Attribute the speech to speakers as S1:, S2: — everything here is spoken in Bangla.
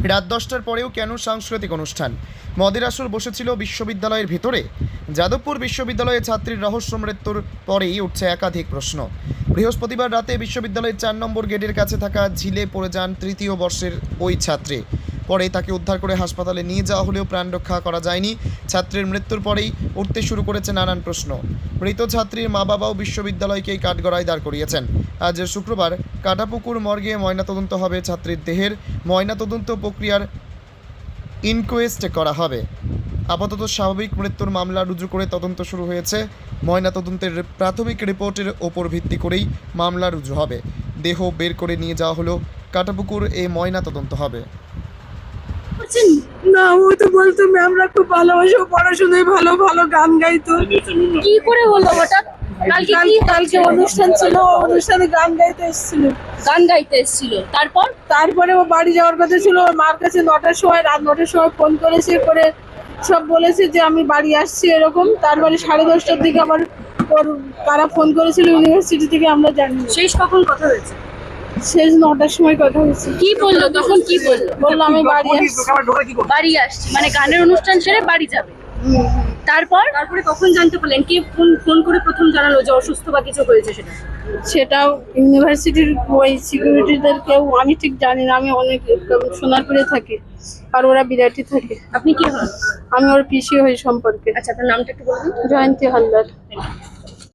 S1: রাত 10টার পরেও কেন সাংস্কৃতিক অনুষ্ঠান? মদের আসর বসেছিল বিশ্ববিদ্যালয়ের ভেতরে। যাদবপুর বিশ্ববিদ্যালয়ে ছাত্রীর রহস্য মৃত্যুর পরেই উঠছে একাধিক প্রশ্ন। বৃহস্পতিবার রাতে বিশ্ববিদ্যালয়ের 4 নম্বর গেটের কাছে থাকা ঝিলে পড়ে যান তৃতীয় বর্ষের ওই ছাত্রী। পরে তাকে উদ্ধার করে হাসপাতালে নিয়ে যাওয়া হলেও প্রাণ রক্ষা করা যায়নি। ছাত্রীর মৃত্যুর পরেই উঠতে শুরু করেছে নানান প্রশ্ন। মৃত ছাত্রীর মা বাবাও বিশ্ববিদ্যালয়কেই কাঠগড়ায় দাঁড় করিয়েছেন। আজ শুক্রবার কাটাপুকুর মর্গে ময়নাতদন্ত হবে ছাত্রীর দেহের। ময়নাতদন্ত প্রক্রিয়ার ইনকোয়েস্ট করা হবে। আপাতত স্বাভাবিক মৃত্যুর মামলা রুজু করে তদন্ত শুরু হয়েছে। ময়নাতদন্তের প্রাথমিক রিপোর্টের ওপর ভিত্তি করেই মামলা রুজু হবে। দেহ বের করে নিয়ে যাওয়া হলো কাটাপুকুর ময়নাতদন্ত হবে।
S2: না, ও তো বলতো ম্যামরা খুব ভালোবাসে, ও পড়াশোনায় ভালো, ভালো গান গাইতো।
S3: কি করে হলো হঠাৎ?
S2: কালকে অনুষ্ঠান ছিল, অনুষ্ঠানে গান গাইতে এসেছিল। তারপরে ও বাড়ি যাওয়ার কথা ছিল। ওর মার কাছে রাত 9টার সময় ফোন করেছে, করে সব বলেছে যে আমি বাড়ি আসছি এরকম। তারপরে 10:30টার দিকে আবার ওর কারা ফোন করেছিল ইউনিভার্সিটি থেকে, আমরা জানি না।
S3: শেষ কখন কথা হয়েছে?
S2: শেষ 9টার সময় কথা হয়েছে।
S3: কি বললো তখন? কি বললো?
S2: বললো আমি বাড়ি আসছি।
S3: বাড়ি আসছি মানে গানের অনুষ্ঠান সেরে বাড়ি যাবে। তারপরে কখন জানতে পারলেন? কে ফোন করে প্রথম জানালো যে অসুস্থ বা কিছু হয়েছে?
S2: সেটাও ইউনিভার্সিটির ওই সিকিউরিটিদের কেউ, আমি ঠিক জানি না। আমি অনেক সোনারপুরে থাকি আর ওরা বিরাটি থাকে।
S3: আপনি কি হন?
S2: আমি ওর পিসি হই সম্পর্কে।
S3: আচ্ছা, আপনার নামটা একটু বলুন।
S2: জয়ন্তী হালদার।